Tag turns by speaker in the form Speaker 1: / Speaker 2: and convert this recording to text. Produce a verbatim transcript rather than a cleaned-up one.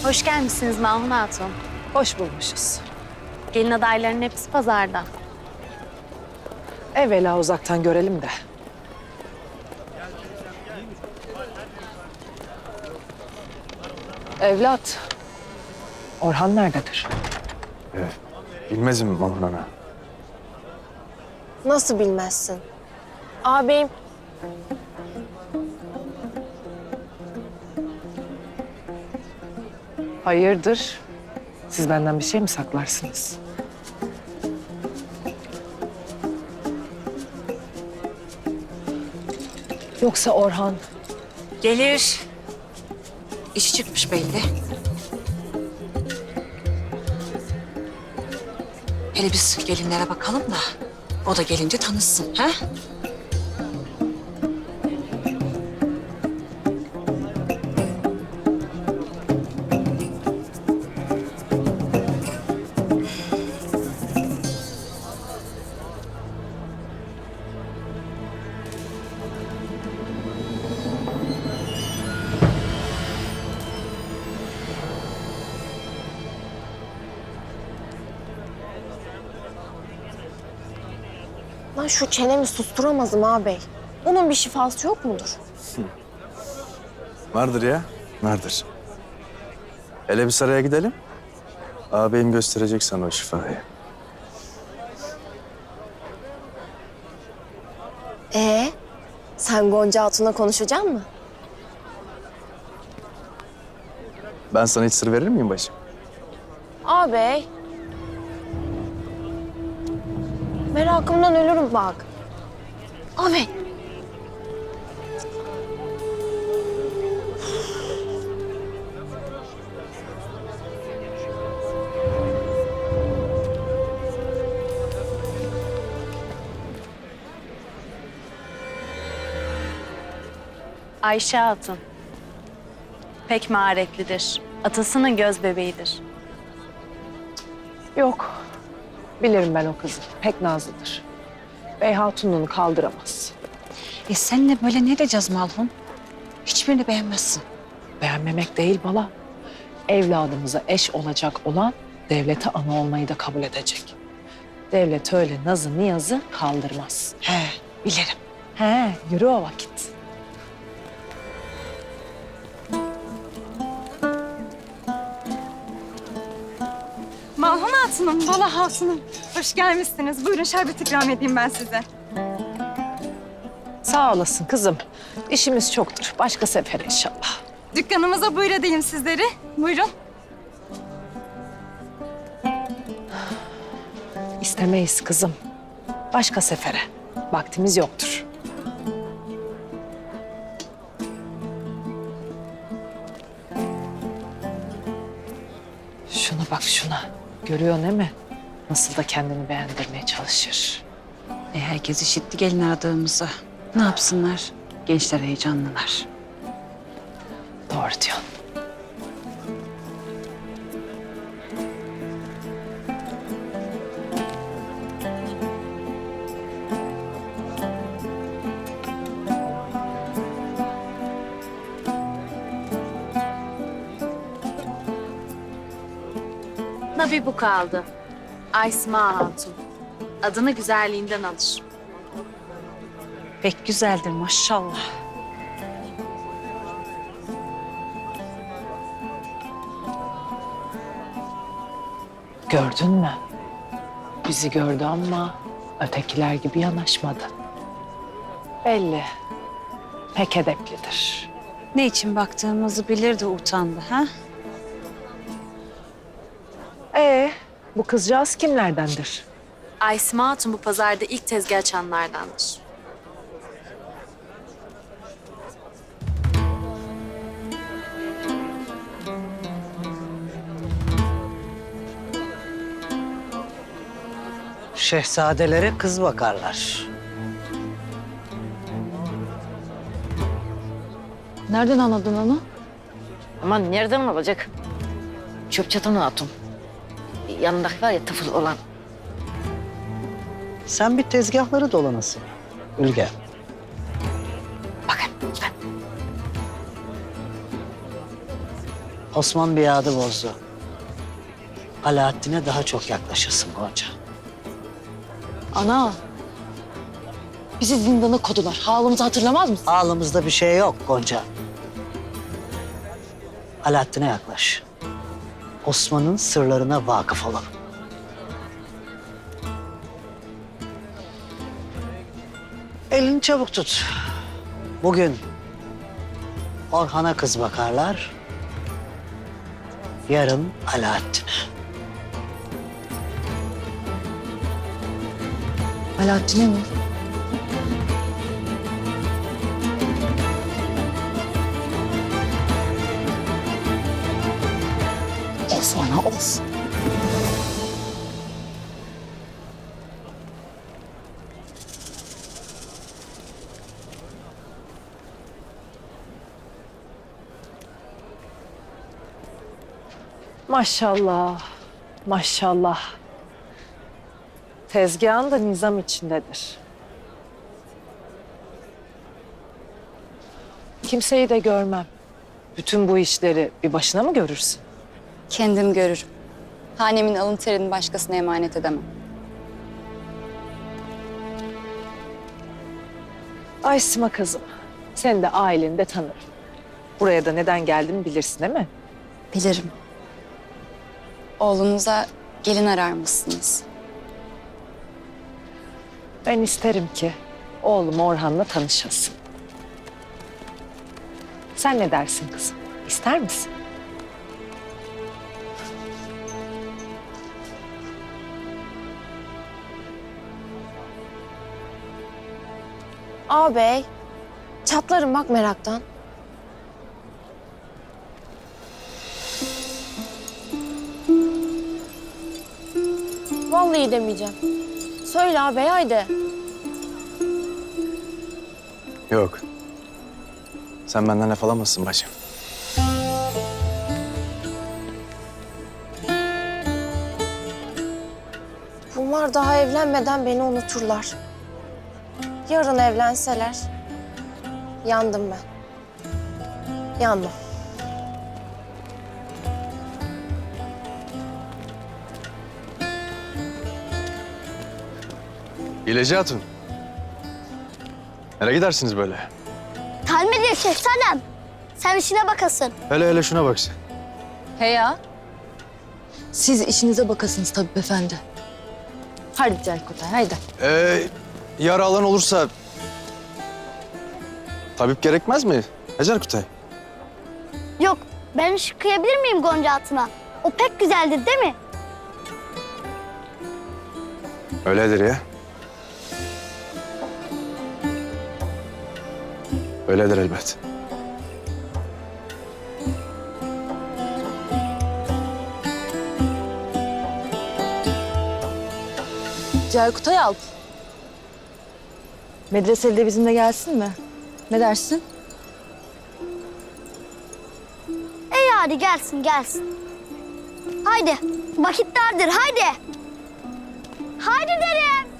Speaker 1: Hoş gelmişsiniz Mahun Hatun.
Speaker 2: Hoş bulmuşuz.
Speaker 1: Gelin adaylarının hepsi pazarda.
Speaker 2: Evvela uzaktan görelim de. Evlat, Orhan nerededir?
Speaker 3: Evet. Bilmezim Mahmut Ana.
Speaker 4: Nasıl bilmezsin? Ağabeyim
Speaker 2: Hayırdır? Siz benden bir şey mi saklarsınız? Yoksa Orhan
Speaker 5: Gelir. İşi çıkmış belli. Hele biz gelinlere bakalım da o da gelince tanışsın, ha?
Speaker 4: lan şu çenemi susturamazım ağabey. Bunun bir şifası yok mudur?
Speaker 3: Vardır ya, vardır. Hele bir saraya gidelim. Ağabeyim gösterecek sana o şifayı.
Speaker 4: Ee, sen Gonca Hatun'la konuşacak mısın?
Speaker 3: Ben sana hiç sır verir miyim bacım?
Speaker 4: Ağabey. Merakımdan ölürüm bak. Ağabey.
Speaker 1: Ayşe Hatun. Pek maharetlidir. Atasının göz bebeğidir.
Speaker 2: yok. Bilirim ben o kızı. Pek nazlıdır. Bey Hatunluğunu kaldıramaz.
Speaker 5: E seninle böyle ne diyeceğiz Malhun? Hiçbirini beğenmezsin.
Speaker 2: Beğenmemek değil bala. Evladımıza eş olacak olan devlete ana olmayı da kabul edecek. Devlet öyle nazı niyazı kaldırmaz.
Speaker 5: He, bilirim.
Speaker 2: He, yürü o vakit.
Speaker 6: Malhun Hatun'um, Bala Hatun'um. Hoş gelmişsiniz. Buyurun şerbet ikram edeyim ben size.
Speaker 2: Sağ olasın kızım. İşimiz çoktur. Başka sefer inşallah.
Speaker 6: Dükkanımıza buyur edeyim sizleri. Buyurun.
Speaker 2: İstemeyiz kızım. Başka sefere. Vaktimiz yoktur. Şuna bak şuna. Görüyor değil mi? Nasıl da kendini beğendirmeye çalışır.
Speaker 5: E herkes işitti gelin aradığımızı. Ne yapsınlar? Gençler heyecanlılar.
Speaker 2: Doğru diyorsun.
Speaker 1: Nabi bu kaldı. Aysma Hatun. Adını güzelliğinden alır.
Speaker 5: Pek güzeldir maşallah.
Speaker 2: Gördün mü? Bizi gördü ama ötekiler gibi yanaşmadı. Belli. Pek edeplidir.
Speaker 5: Ne için baktığımızı bilirdi, utandı ha?
Speaker 2: Ee, bu kızcağız kimlerdendir?
Speaker 1: Aysma Hatun bu pazarda ilk tezgah açanlardandır.
Speaker 7: Şehzadelere kız bakarlar.
Speaker 2: Nereden anladın onu?
Speaker 8: Aman nereden olacak? Çöp çatan hatun. Yanındaki var ya tıfıl olan.
Speaker 7: Sen bir tezgahları dolanasın. Ülge.
Speaker 8: Bakın ben.
Speaker 7: Osman bir adı bozdu. Alaaddin'e daha çok yaklaşırsın Gonca.
Speaker 2: Ana. Bizi zindana kodular. Halımızı hatırlamaz mısın?
Speaker 7: Ağlımızda bir şey yok Gonca. Alaaddin'e yaklaş. Osman'ın sırlarına vakıf olalım. Elini çabuk tut. Bugün Orhan'a kız bakarlar. Yarın Alaaddin'e.
Speaker 2: Alaaddin'e mi? Of ana of. Maşallah, maşallah. Tezgahın da nizam içindedir. Kimseyi de görmem. Bütün bu işleri bir başına mı görürsün?
Speaker 9: Kendim görürüm. Hanemin alın terini başkasına emanet edemem.
Speaker 2: Ay Sima kızım, seni de aileni de tanırım. Buraya da neden geldiğimi bilirsin değil mi?
Speaker 9: Bilirim. Oğlunuza gelin arar mısınız?
Speaker 2: Ben isterim ki oğlum Orhan'la tanışasın. Sen ne dersin kızım? İster misin?
Speaker 4: Ağabey, çatlarım bak meraktan. Vallahi demeyeceğim. Söyle ağabey haydi.
Speaker 3: Yok. Sen benden laf alamazsın bacım.
Speaker 4: Bunlar daha evlenmeden beni unuturlar. Yarın evlenseler yandım ben. Yandım.
Speaker 3: İleci Hatun. Nereye gidersiniz böyle?
Speaker 10: Talme diyor şehzadem. Sen işine bakasın.
Speaker 3: Hele hele şuna bak sen.
Speaker 9: He ya.
Speaker 2: Siz işinize bakasınız tabii efendi.
Speaker 9: Hadi Celkutay, haydi.
Speaker 3: Ee, yara alan olursa... Tabip gerekmez mi Hacer Kutay?
Speaker 10: Yok, ben ışık kıyabilir miyim Gonca Hatun'a? O pek güzeldir değil mi?
Speaker 3: Öyledir ya. Öyledir elbet.
Speaker 9: Celkutay Alp. Medreseli de bizimle gelsin mi? Ne dersin?
Speaker 10: İyi hadi gelsin gelsin. Haydi, vakit dardır haydi. Haydi derim.